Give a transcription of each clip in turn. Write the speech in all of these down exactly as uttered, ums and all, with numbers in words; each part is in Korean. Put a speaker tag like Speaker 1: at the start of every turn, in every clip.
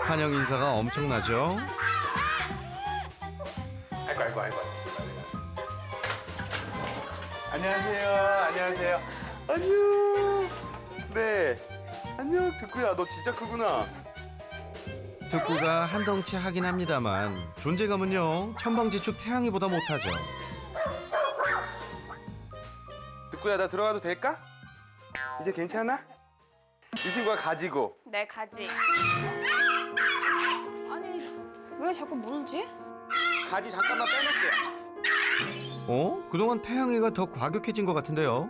Speaker 1: 환영 인사가 엄청나죠?
Speaker 2: 아이고 아이고 아이고. 안녕하세요. 안녕하세요. 안녕. 네. 안녕 득구야. 너 진짜 크구나.
Speaker 1: 득구가 한 덩치 하긴 합니다만 존재감은요 천방지축 태양이보다 못하죠.
Speaker 2: 득구야 나 들어가도 될까? 이제 괜찮아? 이 친구가 가지고.
Speaker 3: 네, 가지. 아니, 왜 자꾸 물지?
Speaker 2: 가지 잠깐만 빼놓게.
Speaker 1: 어? 그동안 태양이가 더 과격해진 것 같은데요?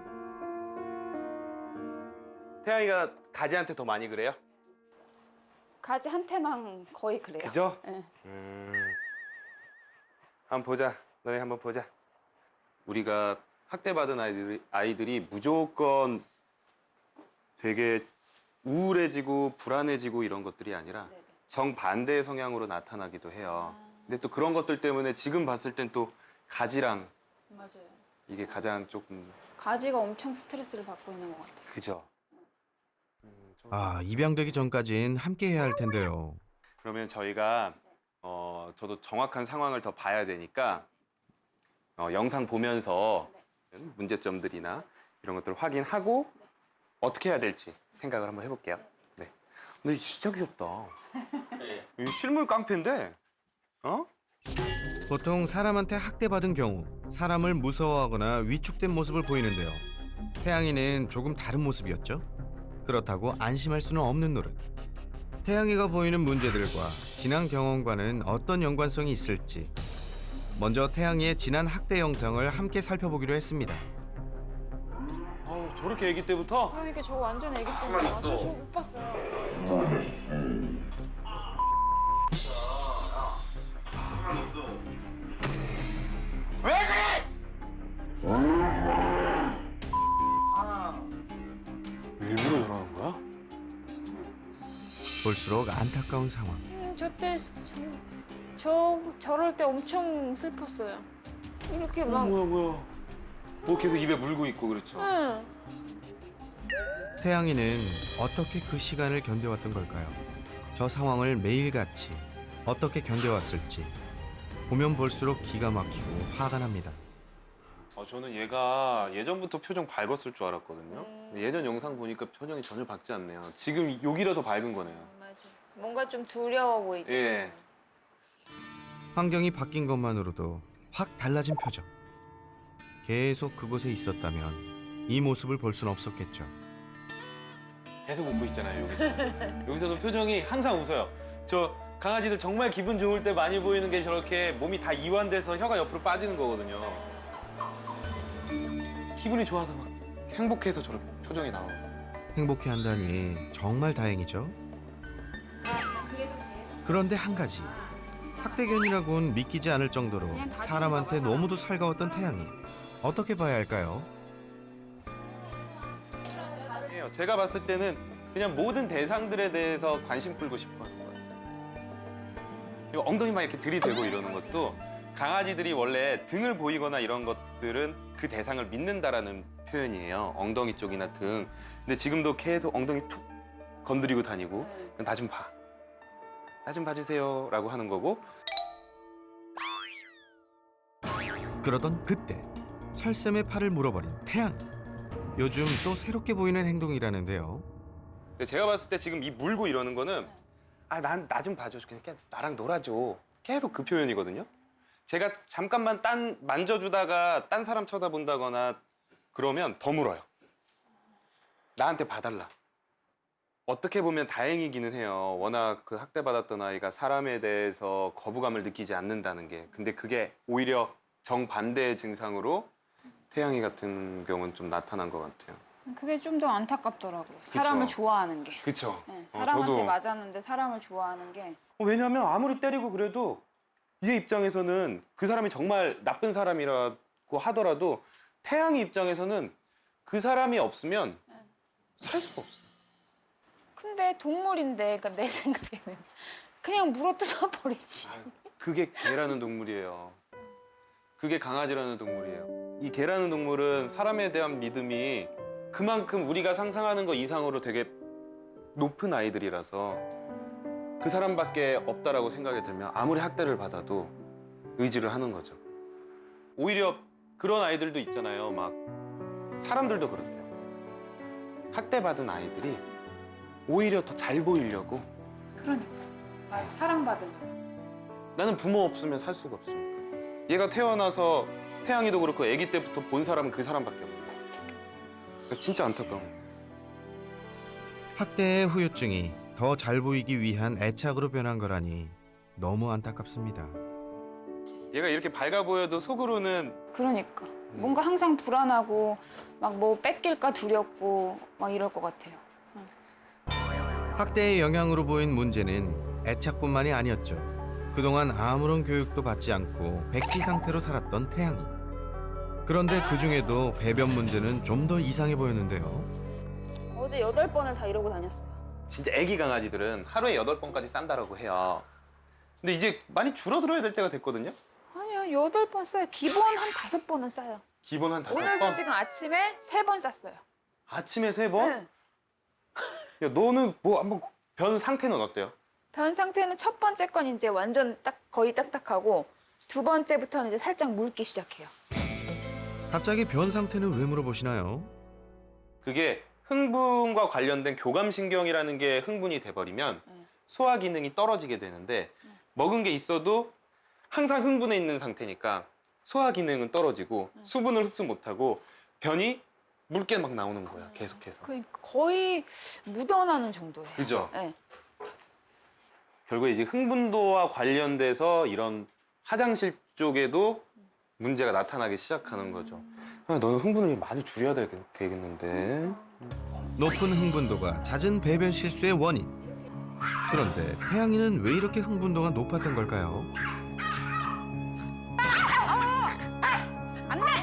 Speaker 2: 태양이가 가지한테 더 많이 그래요?
Speaker 3: 가지 한테만 거의 그래요.
Speaker 2: 그죠?
Speaker 3: 네.
Speaker 2: 음. 한번 보자. 너네 한번 보자. 우리가 학대받은 아이들이, 아이들이 무조건 되게 우울해지고 불안해지고 이런 것들이 아니라
Speaker 3: 네네.
Speaker 2: 정반대의 성향으로 나타나기도 해요. 근데 또 그런 것들 때문에 지금 봤을 땐 또 가지랑
Speaker 3: 맞아요.
Speaker 2: 이게 가장 조금
Speaker 3: 가지가 엄청 스트레스를 받고 있는 것 같아요.
Speaker 2: 그죠?
Speaker 1: 아, 입양되기 전까진 함께 해야 할 텐데요.
Speaker 2: 그러면 저희가 어, 저도 정확한 상황을 더 봐야 되니까 어, 영상 보면서 문제점들이나 이런 것들을 확인하고 어떻게 해야 될지 생각을 한번 해볼게요. 네. 근데 진짜 귀엽다. 이 실물 깡패인데, 어?
Speaker 1: 보통 사람한테 학대받은 경우 사람을 무서워하거나 위축된 모습을 보이는데요. 태양이는 조금 다른 모습이었죠. 그렇다고 안심할 수는 없는 노릇. 태양이가 보이는 문제들과 지난 경험과는 어떤 연관성이 있을지 먼저 태양이의 지난 학대 영상을 함께 살펴보기로 했습니다.
Speaker 2: 어, 저렇게 아기 때부터?
Speaker 3: 그러니까 저 완전 애기 때문에 저, 저 못 봤어요.
Speaker 2: 일부러 저러는 거야?
Speaker 1: 볼수록 안타까운 상황.
Speaker 3: 음, 저때 저, 저 저럴 때 엄청 슬펐어요. 이렇게
Speaker 2: 어,
Speaker 3: 막.
Speaker 2: 뭐야 뭐야. 뭐 계속 입에 물고 있고 그렇죠.
Speaker 3: 응.
Speaker 1: 태양이는 어떻게 그 시간을 견뎌왔던 걸까요? 저 상황을 매일같이 어떻게 견뎌왔을지 보면 볼수록 기가 막히고 화가 납니다.
Speaker 2: 어, 저는 얘가 예전부터 표정 밝았을 줄 알았거든요.
Speaker 3: 음.
Speaker 2: 근데 예전 영상 보니까 표정이 전혀 밝지 않네요. 지금 여기라도 밝은 거네요.
Speaker 3: 맞아. 뭔가 좀 두려워 보이죠.
Speaker 2: 예.
Speaker 1: 환경이 바뀐 것만으로도 확 달라진 표정. 계속 그곳에 있었다면 이 모습을 볼 수는 없었겠죠.
Speaker 2: 계속 웃고 있잖아요, 여기서. 여기서는 표정이 항상 웃어요. 저 강아지들 정말 기분 좋을 때 많이 보이는 게 저렇게 몸이 다 이완돼서 혀가 옆으로 빠지는 거거든요. 기분이 좋아서 막 행복해서 저렇게 표정이 나오고.
Speaker 1: 행복해한다니 정말 다행이죠. 그런데 한 가지. 학대견이라고는 믿기지 않을 정도로 사람한테 너무도 살가웠던 태양이 어떻게 봐야 할까요?
Speaker 2: 아니에요. 제가 봤을 때는 그냥 모든 대상들에 대해서 관심 끌고 싶어 하는 것 같아요. 그리고 엉덩이 막 이렇게 들이대고 이러는 것도 강아지들이 원래 등을 보이거나 이런 것들은 그 대상을 믿는다라는 표현이에요. 엉덩이 쪽이나 등. 근데 지금도 계속 엉덩이 툭 건드리고 다니고 나 좀 봐. 나 좀 봐주세요 라고 하는 거고.
Speaker 1: 그러던 그때 설쌤의 팔을 물어버린 태양. 요즘 또 새롭게 보이는 행동이라는데요.
Speaker 2: 근데 제가 봤을 때 지금 이 물고 이러는 거는 아, 난 나 좀 봐줘. 그냥 나랑 놀아줘. 계속 그 표현이거든요. 제가 잠깐만 딴 만져주다가 딴 사람 쳐다본다거나 그러면 더 물어요. 나한테 봐달라. 어떻게 보면 다행이기는 해요. 워낙 그 학대받았던 아이가 사람에 대해서 거부감을 느끼지 않는다는 게. 근데 그게 오히려 정반대의 증상으로 태양이 같은 경우는 좀 나타난 것 같아요.
Speaker 3: 그게 좀 더 안타깝더라고요. 사람을 좋아하는 게.
Speaker 2: 그쵸?
Speaker 3: 네,
Speaker 2: 어,
Speaker 3: 사람한테
Speaker 2: 저도.
Speaker 3: 맞았는데 사람을 좋아하는 게.
Speaker 2: 왜냐하면 아무리 때리고 그래도 얘 입장에서는 그 사람이 정말 나쁜 사람이라고 하더라도 태양이 입장에서는 그 사람이 없으면 살 수가 없어.
Speaker 3: 근데 동물인데, 그러니까 내 생각에는 그냥 물어뜯어 버리지.
Speaker 2: 그게 개라는 동물이에요. 그게 강아지라는 동물이에요. 이 개라는 동물은 사람에 대한 믿음이 그만큼 우리가 상상하는 것 이상으로 되게 높은 아이들이라서 그 사람밖에 없다라고 생각이 들면 아무리 학대를 받아도 의지를 하는 거죠. 오히려 그런 아이들도 있잖아요. 막 사람들도 그렇대요. 학대받은 아이들이 오히려 더 잘 보이려고.
Speaker 3: 그러니까. 맞아. 사랑받으면.
Speaker 2: 나는 부모 없으면 살 수가 없으니까. 얘가 태어나서 태양이도 그렇고 아기 때부터 본 사람은 그 사람밖에 없는 거야. 그러니까 진짜 안타까운 거야.
Speaker 1: 학대의 후유증이 더 잘 보이기 위한 애착으로 변한 거라니 너무 안타깝습니다.
Speaker 2: 얘가 이렇게 밝아 보여도 속으로는
Speaker 3: 그러니까. 뭔가 항상 불안하고 막 뭐 뺏길까 두렵고 막 이럴 것 같아요.
Speaker 1: 학대의 영향으로 보인 문제는 애착뿐만이 아니었죠. 그동안 아무런 교육도 받지 않고 백지 상태로 살았던 태양이. 그런데 그중에도 배변 문제는 좀 더 이상해 보였는데요.
Speaker 3: 어제 여덟 번을 다 이러고 다녔어요.
Speaker 2: 진짜 아기 강아지들은 하루에 여덟 번까지 싼다라고 해요. 근데 이제 많이 줄어들어야 될 때가 됐거든요.
Speaker 3: 아니요, 여덟 번 싸요. 기본 한 다섯 번은 싸요.
Speaker 2: 기본 한 다섯
Speaker 3: 오늘도
Speaker 2: 번.
Speaker 3: 지금 아침에 세 번 쌌어요.
Speaker 2: 아침에 세 번?
Speaker 3: 네.
Speaker 2: 야, 너는 뭐 한번 변 상태는 어때요?
Speaker 3: 변 상태는 첫 번째 건 이제 완전 딱 거의 딱딱하고 두 번째부터는 이제 살짝 물기 시작해요.
Speaker 1: 갑자기 변 상태는 왜 물어보시나요?
Speaker 2: 그게 흥분과 관련된 교감신경이라는 게 흥분이 돼버리면
Speaker 3: 네.
Speaker 2: 소화 기능이 떨어지게 되는데 먹은 게 있어도 항상 흥분해 있는 상태니까 소화 기능은 떨어지고 수분을 흡수 못하고 변이 묽게 막 나오는 거야, 계속해서.
Speaker 3: 그러니까 거의 묻어나는 정도예요.
Speaker 2: 그죠?
Speaker 3: 네.
Speaker 2: 결국에 이제 흥분도와 관련돼서 이런 화장실 쪽에도 문제가 나타나기 시작하는 거죠. 야, 너는 흥분을 많이 줄여야 되겠, 되겠는데.
Speaker 1: 높은 흥분도가 잦은 배변 실수의 원인. 그런데 태양이는 왜 이렇게 흥분도가 높았던 걸까요?
Speaker 3: 안 돼!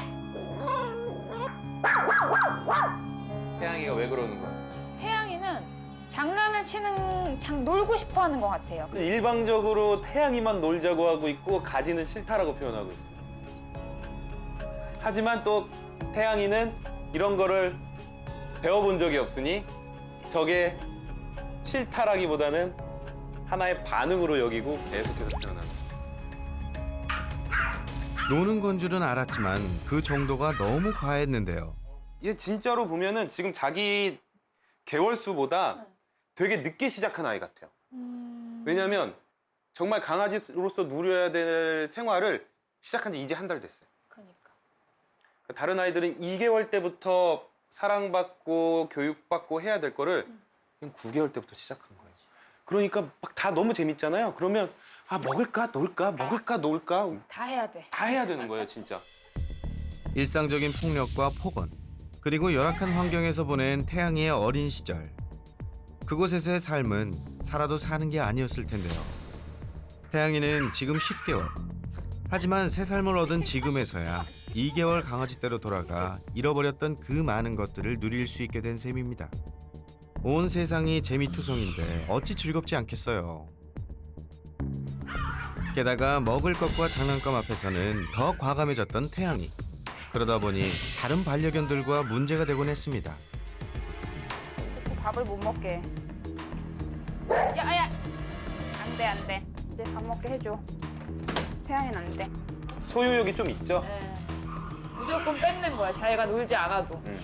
Speaker 2: 태양이가 왜 그러는 거 같아?
Speaker 3: 태양이는 장난을 치는, 장 놀고 싶어 하는 것 같아요.
Speaker 2: 일방적으로 태양이만 놀자고 하고 있고 가지는 싫다라고 표현하고 있어요. 하지만 또 태양이는 이런 거를 배워본 적이 없으니 저게 싫다라기보다는 하나의 반응으로 여기고 계속해서 표현합니다.
Speaker 1: 노는 건 줄은 알았지만 그 정도가 너무 과했는데요.
Speaker 2: 얘 진짜로 보면은 지금 자기 개월수보다 되게 늦게 시작한 아이 같아요.
Speaker 3: 음...
Speaker 2: 왜냐면 정말 강아지로서 누려야 될 생활을 시작한 지 이제 한 달 됐어요.
Speaker 3: 그러니까.
Speaker 2: 다른 아이들은 이 개월 때부터 사랑받고 교육받고 해야 될 거를 그냥 구 개월 때부터 시작한 거예요. 그러니까 막 다 너무 재밌잖아요. 그러면 아 먹을까 놀까 먹을까 놀까
Speaker 3: 다 해야 돼.
Speaker 2: 다 해야 되는 거예요, 진짜.
Speaker 1: 일상적인 폭력과 폭언, 그리고 열악한 환경에서 보낸 태양이의 어린 시절. 그곳에서의 삶은 살아도 사는 게 아니었을 텐데요. 태양이는 지금 십 개월. 하지만 새 삶을 얻은 지금에서야 이 개월 강아지 떼로 돌아가 잃어버렸던 그 많은 것들을 누릴 수 있게 된 셈입니다. 온 세상이 재미투성인데 어찌 즐겁지 않겠어요. 게다가 먹을 것과 장난감 앞에서는 더 과감해졌던 태양이. 그러다 보니 다른 반려견들과 문제가 되곤 했습니다.
Speaker 3: 자꾸 밥을 못 먹게. 야야, 안 돼, 안 돼. 이제 밥 먹게 해줘. 태양이는 안 돼.
Speaker 2: 소유욕이 좀 있죠?
Speaker 3: 네. 무조건 뺏는 거야. 자기가 놀지 않아도.
Speaker 2: 응.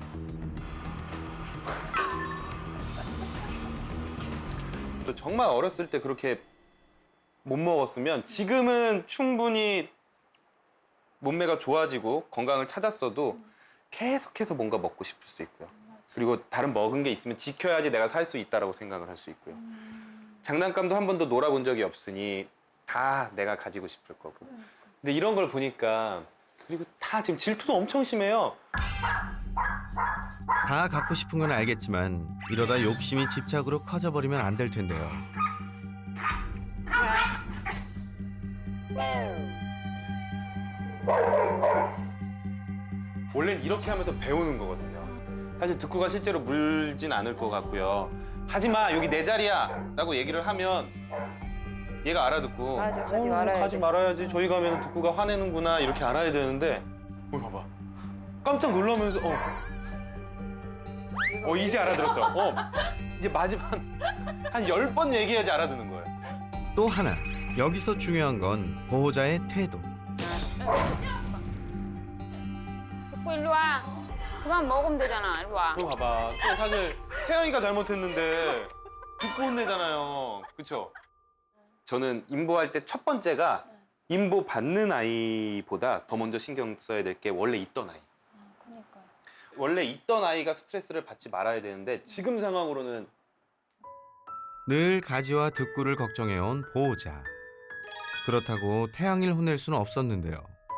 Speaker 2: 또 정말 어렸을 때 그렇게 못 먹었으면 지금은 충분히 몸매가 좋아지고 건강을 찾았어도 계속해서 뭔가 먹고 싶을 수 있고요. 그리고 다른 먹은 게 있으면 지켜야지 내가 살 수 있다라고 생각을 할 수 있고요. 장난감도 한 번도 놀아본 적이 없으니 다 내가 가지고 싶을 거고. 근데 이런 걸 보니까 그리고 다 지금 질투도 엄청 심해요.
Speaker 1: 다 갖고 싶은 건 알겠지만 이러다 욕심이 집착으로 커져버리면 안 될 텐데요.
Speaker 2: 원래는 이렇게 하면서 배우는 거거든요. 사실 득구가 실제로 물진 않을 것 같고요. 하지마, 여기 내 자리야 라고 얘기를 하면 얘가 알아듣고
Speaker 3: 맞아, 가지
Speaker 2: 어,
Speaker 3: 말아야
Speaker 2: 가지
Speaker 3: 돼.
Speaker 2: 말아야지. 저희 가면 득구가 화내는구나 이렇게 알아야 되는데 어, 봐봐. 깜짝 놀라면서 어, 어 이제 알아들었어. 어, 이제 마지막 한 열 번 얘기해야지 알아듣는 거예요.
Speaker 1: 또 하나, 여기서 중요한 건 보호자의 태도.
Speaker 4: 듣고 일로 와. 그만 먹으면 되잖아. 일로 와.
Speaker 2: 그거 봐봐. 또 사실 태영이가 잘못했는데 듣고 혼내잖아요. 그렇죠? 저는 인보할 때 첫 번째가 인보 받는 아이보다 더 먼저 신경 써야 될 게 원래 있던 아이.
Speaker 3: 그러니까요.
Speaker 2: 원래 있던 아이가 스트레스를 받지 말아야 되는데 지금 상황으로는
Speaker 1: 늘 가지와 득구를 걱정해온 보호자. 그렇다고 태양이를 혼낼 수는 없었는데요.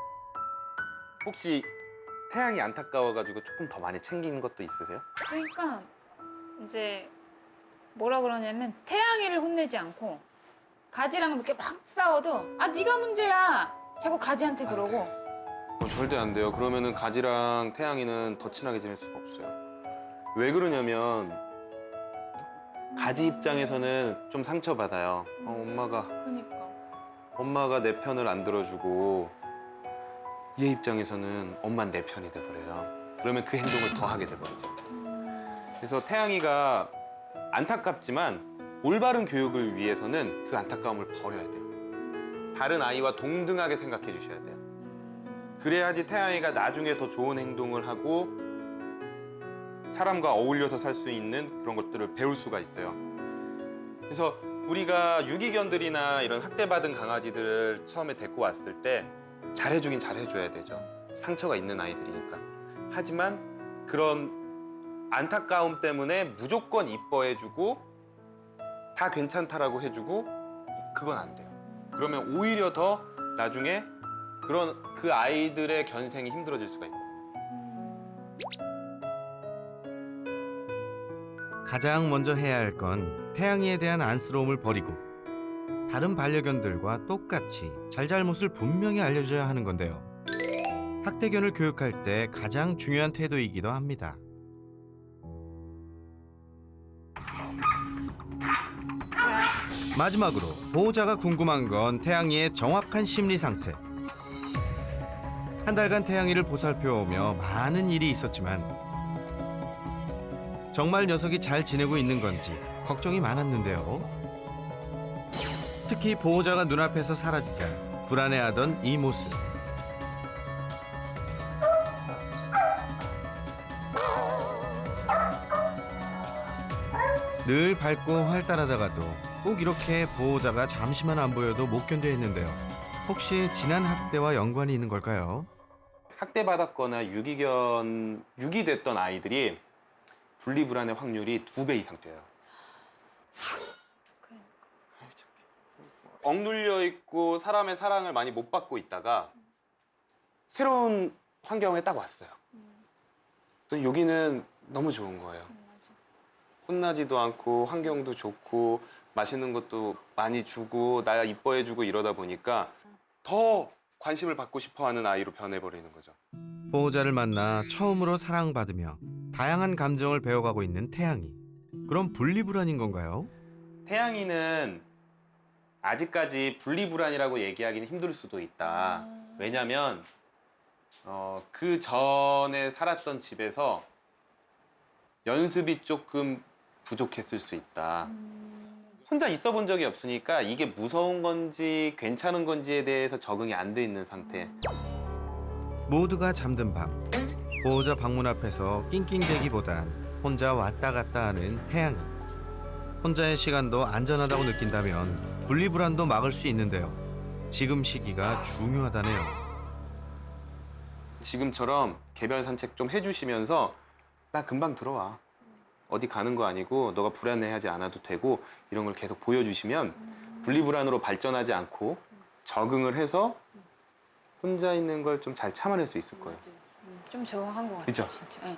Speaker 2: 혹시 태양이 안타까워가지고 조금 더 많이 챙기는 것도 있으세요?
Speaker 3: 그러니까 이제 뭐라 그러냐면 태양이를 혼내지 않고 가지랑 이렇게 막 싸워도 아 네가 문제야. 자꾸 가지한테 그러고.
Speaker 2: 어, 절대 안 돼요. 그러면은 가지랑 태양이는 더 친하게 지낼 수가 없어요. 왜 그러냐면 가지 입장에서는 좀 상처받아요. 어, 엄마가
Speaker 3: 그러니까.
Speaker 2: 엄마가 내 편을 안 들어주고 얘 입장에서는 엄마는 내 편이 돼버려요. 그러면 그 행동을 더 하게 돼버리죠. 그래서 태양이가 안타깝지만 올바른 교육을 위해서는 그 안타까움을 버려야 돼요. 다른 아이와 동등하게 생각해 주셔야 돼요. 그래야지 태양이가 나중에 더 좋은 행동을 하고 사람과 어울려서 살 수 있는 그런 것들을 배울 수가 있어요. 그래서 우리가 유기견들이나 이런 학대받은 강아지들을 처음에 데리고 왔을 때 잘해주긴 잘해줘야 되죠. 상처가 있는 아이들이니까. 하지만 그런 안타까움 때문에 무조건 이뻐해주고 다 괜찮다라고 해주고 그건 안 돼요. 그러면 오히려 더 나중에 그런 그 아이들의 견생이 힘들어질 수가 있거든요.
Speaker 1: 가장 먼저 해야 할 건 태양이에 대한 안쓰러움을 버리고 다른 반려견들과 똑같이 잘잘못을 분명히 알려줘야 하는 건데요. 학대견을 교육할 때 가장 중요한 태도이기도 합니다. 마지막으로 보호자가 궁금한 건 태양이의 정확한 심리 상태. 한 달간 태양이를 보살펴오며 많은 일이 있었지만 정말 녀석이 잘 지내고 있는 건지 걱정이 많았는데요. 특히 보호자가 눈앞에서 사라지자 불안해하던 이 모습. 늘 밝고 활달하다가도 꼭 이렇게 보호자가 잠시만 안 보여도 못 견뎌 했는데요. 혹시 지난 학대와 연관이 있는 걸까요?
Speaker 2: 학대받았거나 유기견, 유기됐던 아이들이 분리불안의 확률이 두 배 이상 돼요. 아유, 착해. 억눌려 있고 사람의 사랑을 많이 못 받고 있다가 새로운 환경에 딱 왔어요. 또 여기는 너무 좋은 거예요. 혼나지도 않고 환경도 좋고 맛있는 것도 많이 주고 나 이뻐해주고 이러다 보니까 더 관심을 받고 싶어하는 아이로 변해버리는 거죠.
Speaker 1: 보호자를 만나 처음으로 사랑받으며 다양한 감정을 배워가고 있는 태양이. 그럼 분리불안인 건가요?
Speaker 2: 태양이는 아직까지 분리불안이라고 얘기하기는 힘들 수도 있다. 왜냐면 어, 그 전에 살았던 집에서 연습이 조금 부족했을 수 있다. 혼자 있어 본 적이 없으니까 이게 무서운 건지 괜찮은 건지에 대해서 적응이 안 돼 있는 상태.
Speaker 1: 모두가 잠든 밤 보호자 방문 앞에서 낑낑대기보단 혼자 왔다 갔다 하는 태양이. 혼자의 시간도 안전하다고 느낀다면 분리불안도 막을 수 있는데요. 지금 시기가 중요하다네요.
Speaker 2: 지금처럼 개별 산책 좀 해주시면서 나 금방 들어와. 어디 가는 거 아니고 너가 불안해하지 않아도 되고 이런 걸 계속 보여주시면 분리불안으로 발전하지 않고 적응을 해서 혼자 있는 걸 좀 잘 참아낼 수 있을 거예요.
Speaker 3: 좀 적응한 것 같아요.
Speaker 2: 그죠?
Speaker 3: 진짜. 예.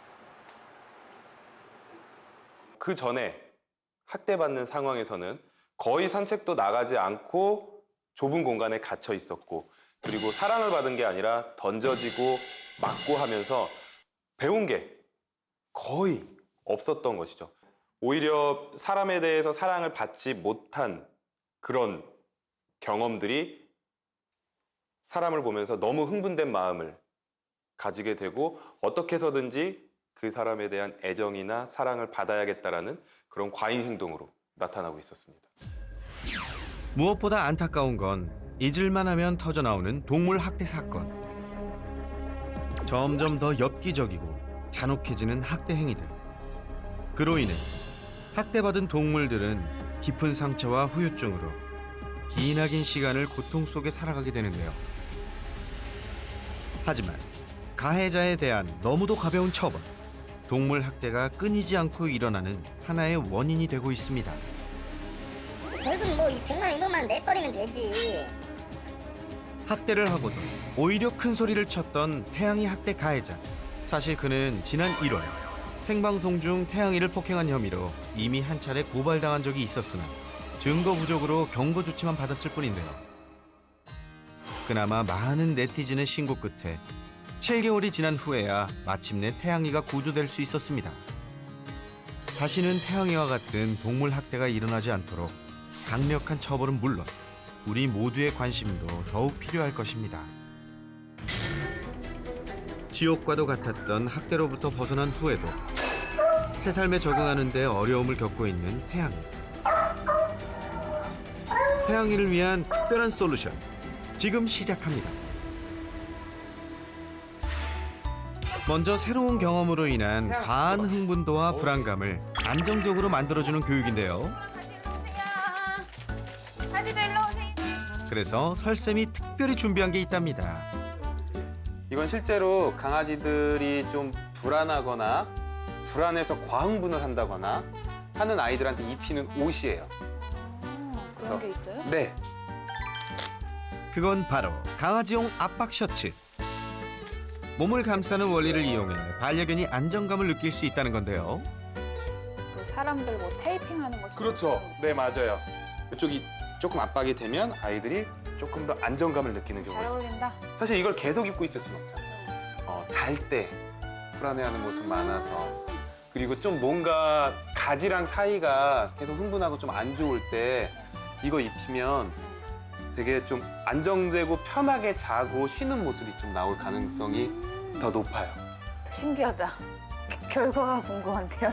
Speaker 2: 그 전에 학대받는 상황에서는 거의 산책도 나가지 않고 좁은 공간에 갇혀 있었고 그리고 사랑을 받은 게 아니라 던져지고 맞고 하면서 배운 게 거의 없었던 것이죠. 오히려 사람에 대해서 사랑을 받지 못한 그런 경험들이 사람을 보면서 너무 흥분된 마음을 가지게 되고 어떻게 해서든지 그 사람에 대한 애정이나 사랑을 받아야겠다라는 그런 과잉 행동으로 나타나고 있었습니다.
Speaker 1: 무엇보다 안타까운 건 잊을만 하면 터져나오는 동물 학대 사건. 점점 더 엽기적이고 잔혹해지는 학대 행위들. 그로 인해 학대받은 동물들은 깊은 상처와 후유증으로 기나긴 시간을 고통 속에 살아가게 되는데요. 하지만 가해자에 대한 너무도 가벼운 처벌, 동물 학대가 끊이지 않고 일어나는 하나의 원인이 되고 있습니다.
Speaker 5: 결국 뭐 이 백만 이거만 내버리면 되지.
Speaker 1: 학대를 하고도 오히려 큰 소리를 쳤던 태양이 학대 가해자. 사실 그는 지난 일월 생방송 중 태양이를 폭행한 혐의로 이미 한 차례 고발당한 적이 있었으나 증거 부족으로 경고 조치만 받았을 뿐인데요. 그나마 많은 네티즌의 신고 끝에 칠 개월이 지난 후에야 마침내 태양이가 구조될 수 있었습니다. 다시는 태양이와 같은 동물 학대가 일어나지 않도록 강력한 처벌은 물론 우리 모두의 관심도 더욱 필요할 것입니다. 지옥과도 같았던 학대로부터 벗어난 후에도 새 삶에 적응하는 데 어려움을 겪고 있는 태양이. 태양이를 위한 특별한 솔루션 지금 시작합니다. 먼저 새로운 경험으로 인한 과한 흥분도와 불안감을 안정적으로 만들어주는 교육인데요.
Speaker 3: 사지도 일로 오세요.
Speaker 1: 그래서 설쌤이 특별히 준비한 게 있답니다.
Speaker 2: 이건 실제로 강아지들이 좀 불안하거나 불안해서 과흥분을 한다거나 하는 아이들한테 입히는 옷이에요.
Speaker 4: 그런 게 있어요?
Speaker 2: 네.
Speaker 1: 그건 바로 강아지용 압박 셔츠. 몸을 감싸는 원리를 이용해 반려견이 안정감을 느낄 수 있다는 건데요.
Speaker 4: 그 사람들 뭐 테이핑하는 거.
Speaker 2: 그렇죠. 네, 맞아요. 이쪽이 조금 압박이 되면 아이들이 조금 더 안정감을 느끼는 경우가
Speaker 4: 잘
Speaker 2: 있어요.
Speaker 4: 어울린다.
Speaker 2: 사실 이걸 계속 입고 있을 수는 없잖아요. 어, 잘 때 불안해하는 모습 많아서 그리고 좀 뭔가 가지랑 사이가 계속 흥분하고 좀 안 좋을 때 이거 입히면 되게 좀 안정되고 편하게 자고 쉬는 모습이 좀 나올 가능성이 더 높아요.
Speaker 4: 신기하다. 결과가 궁금한데요.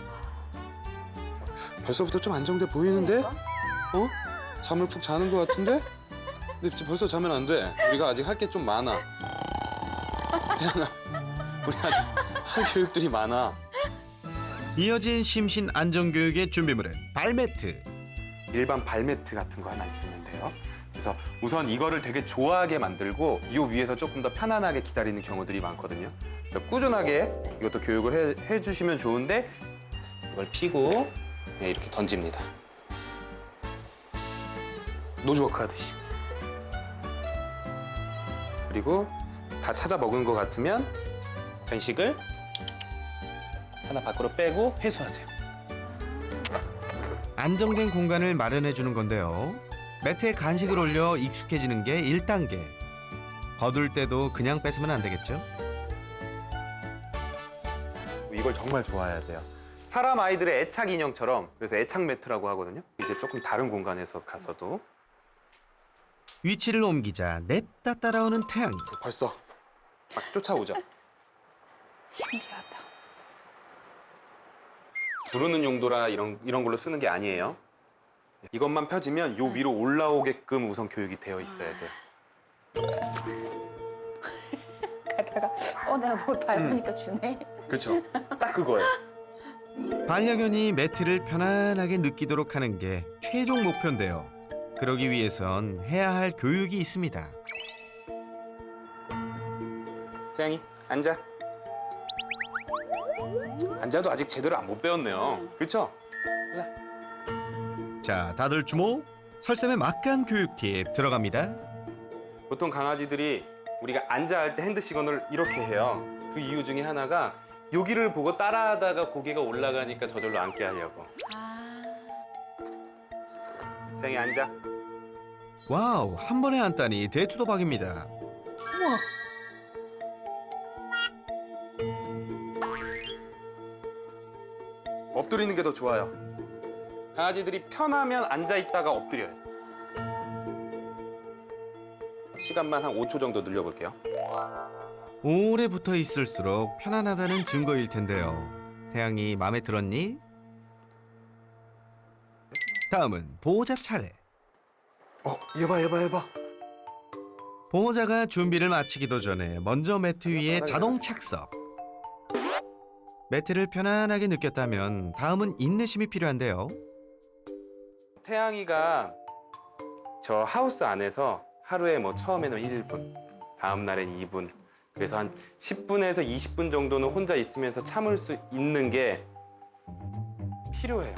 Speaker 2: 벌써부터 좀 안정돼 보이는데?
Speaker 4: 그러니까?
Speaker 2: 어? 잠을 푹 자는 것 같은데? 근데 지금 벌써 자면 안 돼. 우리가 아직 할 게 좀 많아. 태양아, 우리 아직 할 교육들이 많아.
Speaker 1: 이어진 심신 안정교육의 준비물은 발매트.
Speaker 2: 일반 발매트 같은 거 하나 있으면 돼요. 그래서 우선 이거를 되게 좋아하게 만들고 이 위에서 조금 더 편안하게 기다리는 경우들이 많거든요. 그래서 꾸준하게 이것도 교육을 해, 해주시면 좋은데 이걸 피고 그냥 이렇게 던집니다. 노즈워크 하듯이. 그리고 다 찾아 먹은 것 같으면 간식을 하나 밖으로 빼고 회수하세요.
Speaker 1: 안정된 공간을 마련해 주는 건데요. 매트에 간식을 올려 익숙해지는 게 일 단계. 거둘 때도 그냥 뺏으면 안 되겠죠?
Speaker 2: 이걸 정말 좋아해야 돼요. 사람 아이들의 애착 인형처럼 그래서 애착 매트라고 하거든요. 이제 조금 다른 공간에서 가서도
Speaker 1: 위치를 옮기자 냅다 따라오는 태양이.
Speaker 2: 벌써 막 쫓아오죠.
Speaker 4: 신기하다.
Speaker 2: 부르는 용도라 이런 이런 걸로 쓰는 게 아니에요. 이것만 펴지면 요 위로 올라오게끔 우선 교육이 되어 있어야 돼요.
Speaker 4: 가다가 어 내가 뭘 밟으니까 주네.
Speaker 2: 그렇죠. 딱 그거예요.
Speaker 1: 반려견이 매트를 편안하게 느끼도록 하는 게 최종 목표인데요. 그러기 위해선 해야 할 교육이 있습니다.
Speaker 2: 태양이 앉아. 앉아도 아직 제대로 안 못 배웠네요. 그렇죠?
Speaker 1: 자, 다들 주목! 설쌤의 막간 교육 팁 들어갑니다.
Speaker 2: 보통 강아지들이 우리가 앉아 할 때 핸드 시건을 이렇게 해요. 그 이유 중에 하나가 여기를 보고 따라하다가 고개가 올라가니까 저절로 앉게 하려고.
Speaker 4: 아.
Speaker 2: 태양이 앉아.
Speaker 1: 와우, 한 번에 앉다니 대투도박입니다.
Speaker 4: 우와.
Speaker 2: 엎드리는 게 더 좋아요. 강아지들이 편하면 앉아 있다가 엎드려요. 시간만 한 오 초 정도 늘려볼게요.
Speaker 1: 오래 붙어 있을수록 편안하다는 증거일 텐데요. 태양이 마음에 들었니? 다음은 보호자 차례.
Speaker 2: 어, 얘봐, 얘봐, 얘봐.
Speaker 1: 보호자가 준비를 마치기도 전에 먼저 매트 위에 자동 착석. 매트를 편안하게 느꼈다면 다음은 인내심이 필요한데요.
Speaker 2: 태양이가 저 하우스 안에서 하루에 뭐 처음에는 일 분, 다음 날엔 이 분, 그래서 한 십 분에서 이십 분 정도는 혼자 있으면서 참을 수 있는 게 필요해요.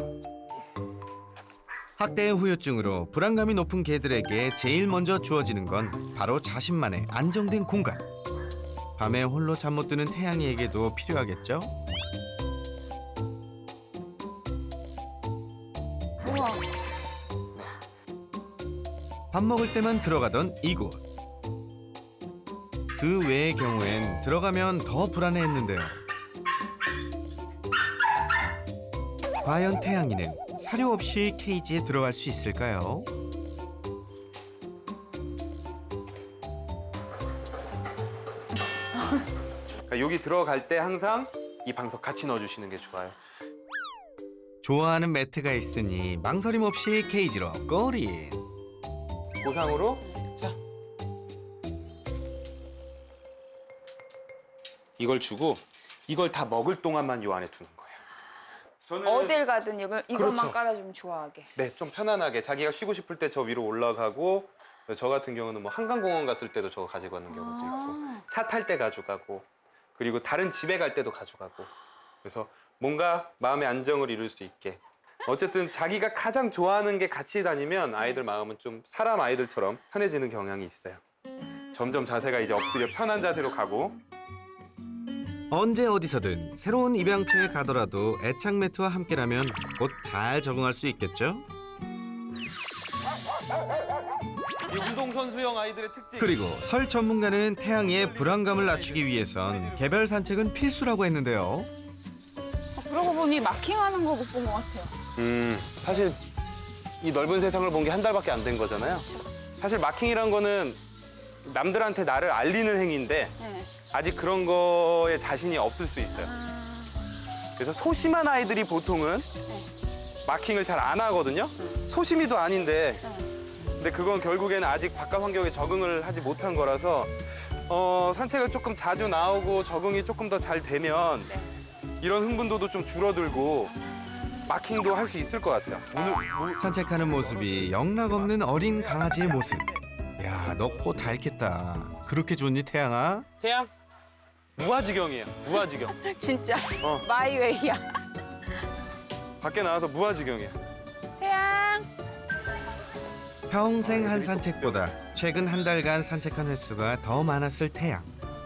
Speaker 1: 학대의 후유증으로 불안감이 높은 개들에게 제일 먼저 주어지는 건 바로 자신만의 안정된 공간. 밤에 홀로 잠 못 드는 태양이에게도 필요하겠죠?
Speaker 3: 우와.
Speaker 1: 밥 먹을 때만 들어가던 이곳. 그 외의 경우엔 들어가면 더 불안해했는데요. 과연 태양이는 사료 없이 케이지에 들어갈 수 있을까요?
Speaker 2: 그러니까 여기 들어갈 때 항상 이 방석 같이 넣어주시는 게 좋아요.
Speaker 1: 좋아하는 매트가 있으니 망설임 없이 케이지로 꼬린.
Speaker 2: 보상으로 자 이걸 주고 이걸 다 먹을 동안만 요 안에 두는 거예요. 저는
Speaker 4: 어딜 가든 이걸 이것만
Speaker 2: 그렇죠.
Speaker 4: 깔아주면 좋아하게.
Speaker 2: 네, 좀 편안하게 자기가 쉬고 싶을 때 저 위로 올라가고 저 같은 경우는 뭐 한강공원 갔을 때도 저거 가지고 가는 경우도 있고 차 탈 때 가져가고 그리고 다른 집에 갈 때도 가져가고 그래서 뭔가 마음의 안정을 이룰 수 있게 어쨌든 자기가 가장 좋아하는 게 같이 다니면 아이들 마음은 좀 사람 아이들처럼 편해지는 경향이 있어요. 점점 자세가 이제 엎드려 편한 자세로 가고
Speaker 1: 언제 어디서든 새로운 입양처에 가더라도 애착 매트와 함께라면 곧 잘 적응할 수 있겠죠?
Speaker 2: 이 운동선수형 아이들의 특징
Speaker 1: 그리고 설 전문가는 태양이의 불안감을 낮추기 위해선 개별 산책은 필수라고 했는데요.
Speaker 4: 아, 그러고 보니 마킹하는 거 못 본 것 같아요.
Speaker 2: 음, 사실 이 넓은 세상을 본 게 한 달밖에 안 된 거잖아요. 사실 마킹이란 거는 남들한테 나를 알리는 행위인데
Speaker 4: 네.
Speaker 2: 아직 그런 거에 자신이 없을 수 있어요. 그래서 소심한 아이들이 보통은 마킹을 잘 안 하거든요. 소심이도 아닌데 근데 그건 결국에는 아직 바깥 환경에 적응을 하지 못한 거라서 어, 산책을 조금 자주 나오고 적응이 조금 더 잘 되면 이런 흥분도도 좀 줄어들고 마킹도 할 수 있을 것 같아요. 무, 무,
Speaker 1: 산책하는 모습이 영락없는 어린 강아지의 모습. 야, 너 코 닳겠다. 그렇게 좋니, 태양아?
Speaker 2: 태양 무아지경이에요. 무아지경.
Speaker 4: 진짜
Speaker 2: 어.
Speaker 4: 마이웨이야.
Speaker 2: 밖에 나와서 무아지경이에요.
Speaker 4: 태양.
Speaker 1: 평생 한 산책보다 최근 한 달간 산책한 횟수가 더 많았을 태양.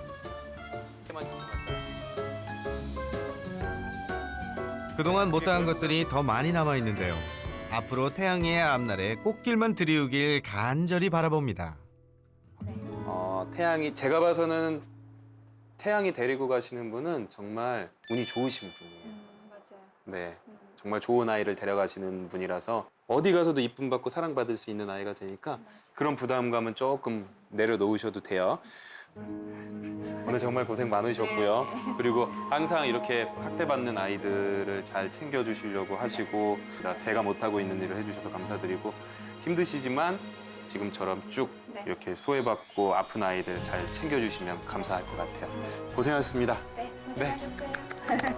Speaker 1: 그동안 못다한 것들이 더 많이 남아있는데요. 앞으로 태양이의 앞날에 꽃길만 들이우길 간절히 바라봅니다.
Speaker 2: 어, 태양이 제가 봐서는 태양이 데리고 가시는 분은 정말 운이 좋으신 분이에요.
Speaker 4: 음, 맞아요.
Speaker 2: 네, 정말 좋은 아이를 데려가시는 분이라서 어디 가서도 이쁨 받고 사랑받을 수 있는 아이가 되니까 그런 부담감은 조금 내려놓으셔도 돼요. 오늘 정말 고생 많으셨고요. 그리고 항상 이렇게 학대받는 아이들을 잘 챙겨주시려고 하시고 제가 못하고 있는 일을 해주셔서 감사드리고 힘드시지만 지금처럼 쭉
Speaker 4: 네.
Speaker 2: 이렇게 소외받고 아픈 아이들 잘 챙겨주시면 감사할 것 같아요. 고생하셨습니다.
Speaker 4: 네, 고생하셨어요.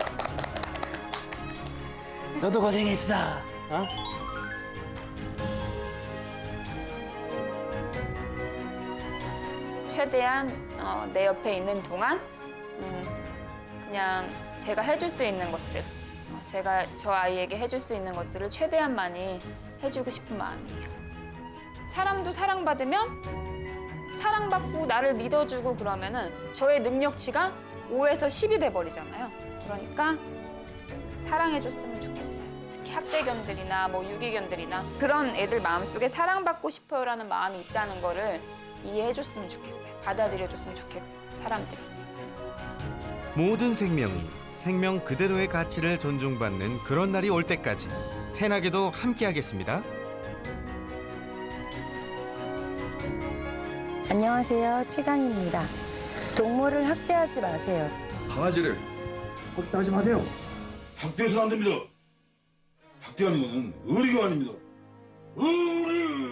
Speaker 2: 너도 고생했어. 어?
Speaker 4: 최대한 어, 내 옆에 있는 동안 음, 그냥 제가 해줄 수 있는 것들, 어, 제가 저 아이에게 해줄 수 있는 것들을 최대한 많이 해주고 싶은 마음이에요. 사람도 사랑받으면 사랑받고 나를 믿어주고 그러면은 저의 능력치가 오에서 십이 돼버리잖아요. 그러니까 사랑해줬으면 좋겠어요. 특히 학대견들이나 뭐 유기견들이나 그런 애들 마음속에 사랑받고 싶어요라는 마음이 있다는 거를 이해해줬으면 좋겠어요. 받아들여줬으면 좋겠고 사람들이.
Speaker 1: 모든 생명이 생명 그대로의 가치를 존중받는 그런 날이 올 때까지 새나게도 함께하겠습니다.
Speaker 6: 안녕하세요. 치강입니다. 동물을 학대하지 마세요.
Speaker 7: 강아지를 학대하지 마세요. 학대해서는 안 됩니다. 학대하는 것은 의리가 아닙니다. 의리!